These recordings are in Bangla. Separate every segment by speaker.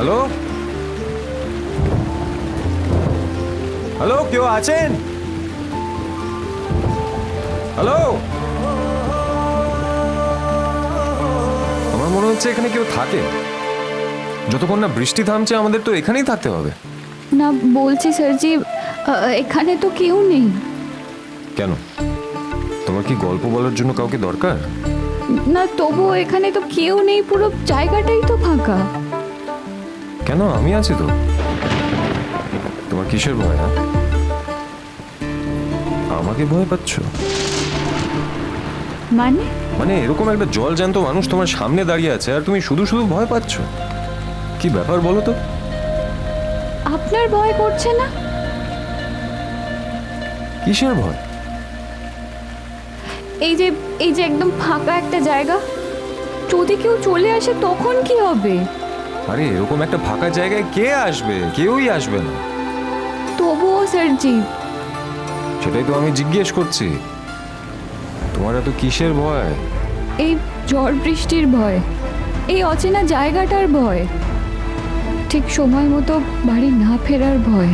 Speaker 1: হ্যালো হ্যালো, কেউ আছেন? হ্যালো, আমার মনে হচ্ছে এখানে কেউ থাকে। যতক্ষণ না বৃষ্টি থামছে আমাদের তো এখানেই থাকতে হবে।
Speaker 2: না বলছি স্যারজি, এখানে তো কেউ নেই।
Speaker 1: কেন, তোমার কি গল্প বলার জন্য কাউকে দরকার?
Speaker 2: না তবুও এখানে তো কেউ নেই, পুরো জায়গাটাই তো ফাঁকা।
Speaker 1: কেন, আমি আছি তো। তোমার কিসের ভয়? হ্যাঁ, আমাকে ভয় পাচ্ছ?
Speaker 2: মানে
Speaker 1: মানে এরকম একটা জল জ্যান্ত মানুষ তোমার সামনে দাঁড়িয়ে আছে আর তুমি শুধু শুধু ভয় পাচ্ছ? কি ব্যাপার বলো তো?
Speaker 2: আপনার ভয় করছে না?
Speaker 1: কিসের ভয়?
Speaker 2: এই যে একদম ফাঁকা একটা জায়গা, যদি কেউ চলে আসে তখন কি হবে?
Speaker 1: আরে এরকম একটা ফাঁকা জায়গায় কে আসবে? কেউই আসবে না।
Speaker 2: তবুও স্যারজি।
Speaker 1: সেটাই তো আমি জিজ্ঞেস করছি, তোমার এত কিসের ভয়?
Speaker 2: এই ঝড় বৃষ্টির ভয়, এই অচেনা জায়গাটার ভয়, ঠিক সময় মতো বাড়ি না ফেরার ভয়।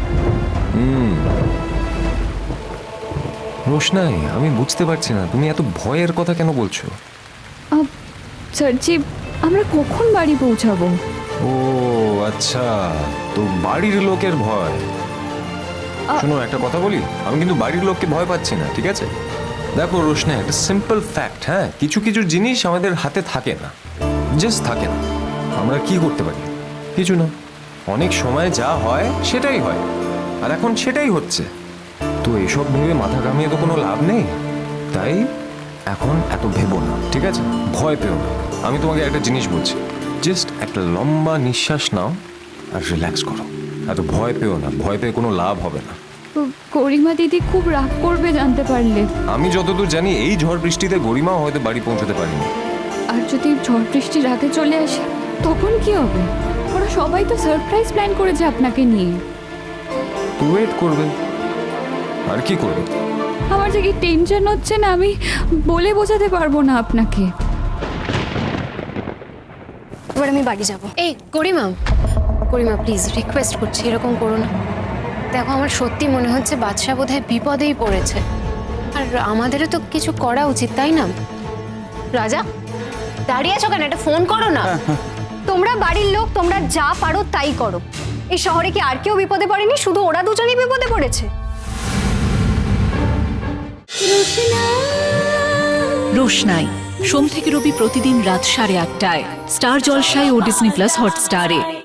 Speaker 1: রোশনাই, আমি বুঝতে পারছি না তুমি এত ভয়ের কথা কেন বলছো।
Speaker 2: স্যারজি, আমরা কখন বাড়ি পৌঁছাবো?
Speaker 1: ও আচ্ছা, তো বাড়ির লোকের ভয়। শোনো, একটা কথা বলি, আমি কিন্তু বাড়ির লোককে ভয় পাচ্ছি না, ঠিক আছে? দেখো রোশনাই, একটা সিম্পল ফ্যাক্ট, হ্যাঁ, কিছু কিছু জিনিস আমাদের হাতে থাকে না, জাস্ট থাকে না। আমরা কি করতে পারি? কিছু না। অনেক সময় যা হয় সেটাই হয়, আর এখন সেটাই হচ্ছে। তো এসব ভেবে মাথা ঘামিয়ে তো কোনো লাভ নেই। তাই এখন এত ভেবো না, ঠিক আছে? ভয় পেও না। আমি তোমাকে একটা জিনিস বলছি, জাস্ট একটা লম্বা নিঃশ্বাস নাও আর রিল্যাক্স করো। এত ভয় পেও না, ভয় পেয়ে কোনো লাভ হবে না।
Speaker 2: গরিমা দিদি খুব রাগ করবে জানতে পারলে।
Speaker 1: আমি যতদূর জানি এই ঝড় বৃষ্টিতে গরিমাও হয়তো বাড়ি পৌঁছতে পারিনি।
Speaker 2: আর যদি ঝড় বৃষ্টি রাতে চলে আসে তখন কি হবে? ওরা সবাই তো সারপ্রাইজ প্ল্যান করেছে আপনাকে নিয়ে।
Speaker 1: তো ওয়েট করবে, আর কি করবে?
Speaker 2: আমার যে কি টেনশন হচ্ছে না, আমি বলে বোঝাতে পারবো না আপনাকে।
Speaker 3: এবার আমি বাড়ি যাব। এই গরিমা, গরিমা প্লিজ রিকোয়েস্ট করছি, এরকম করো না। দেখো, আমার সত্যি মনে হচ্ছে বাদশা বোধহয় বিপদেই পড়েছে, আর আমাদেরও তো কিছু করা উচিত, তাই না? রাজা, দাঁড়িয়ে আছো কেন? একটা ফোন করো না।
Speaker 4: তোমরা বাড়ির লোক, তোমরা যা পারো তাই করো। এই শহরে কি আর কেউ বিপদে পড়েনি? শুধু ওরা দুজনেই বিপদে পড়েছে।
Speaker 5: রোশনাই, সোম থেকে রবি প্রতিদিন রাত 8:30টায় স্টার জলসায় ও ডিজনি প্লাস হটস্টারে।